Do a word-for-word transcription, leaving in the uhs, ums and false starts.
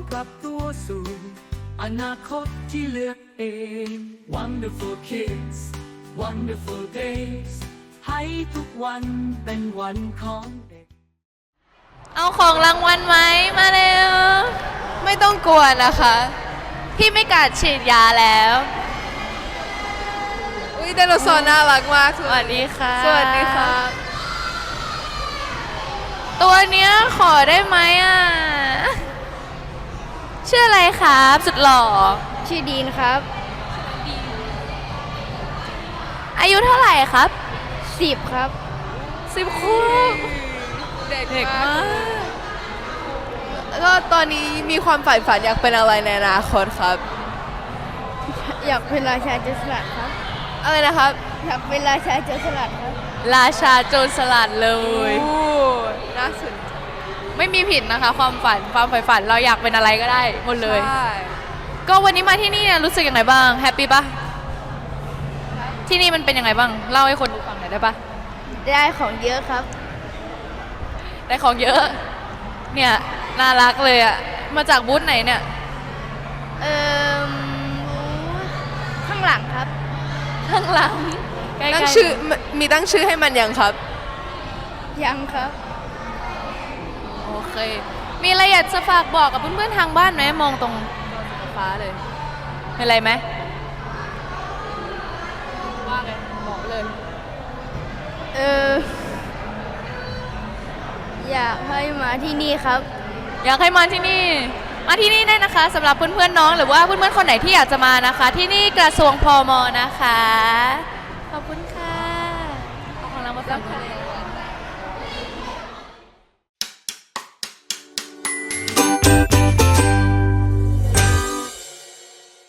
ปรับตัวสู่อนาคตที่เลือกเอง Wonderful kids Wonderful days ให้ทุกวันเป็นวันของเด็กเอาของรางวัลไหมมาเร็วไม่ต้องกลัวนะคะพี่ไม่กัดฉีดยาแล้วอุ้ยไดโนเสาร์น่ารักมากสวัสดีค่ะสวัสดีค่ะตัวเนี้ยขอได้ไหมอ่ะชื่ออะไรครับสุดหล่อชื่อดีนครับอายุเท่าไหร่ครับสิบครับสิบคู่เด็กมากแล้วก็ตอนนี้มีความใฝ่ฝันอยากเป็นอะไรในอนาคตครับอยากเป็นราชาโจรสลัดครับอะไรนะครับอยากเป็นราชาโจรสลัดครับราชาโจรสลัดเลยโอ้น่าสนใจไม่มีผิดนะคะความฝันความใฝ่ฝันเราอยากเป็นอะไรก็ได้หมดเลยก็วันนี้มาที่นี่รู้สึกยังไงบ้างแฮปปี้ปะที่นี่มันเป็นยังไงบ้างเล่าให้คนดูฟังหน่อยได้ปะได้ของเยอะครับได้ของเยอะเนี่ยน่ารักเลยอ่ะมาจากบูธไหนเนี่ยเอ่อข้างหลังครับข้างหลังตั้งชื่อมีตั้งชื่อให้มันยังครับยังครับโอเคมีอะไรอยากจะฝากบอกกับเพื่อนๆทางบ้านไหมมองตรงฟ้าเลยมีอะไรไหมว่าไงบอกเลยเอออยากให้มาที่นี่ครับอยากให้มาที่นี่มาที่นี่ได้นะคะสำหรับเพื่อนๆน้องหรือว่าเพื่อนๆคนไหนที่อยากจะมานะคะ ที่นี่กระทรวงพม.นะคะขอบคุณค่ะเอาของเรามาฝาก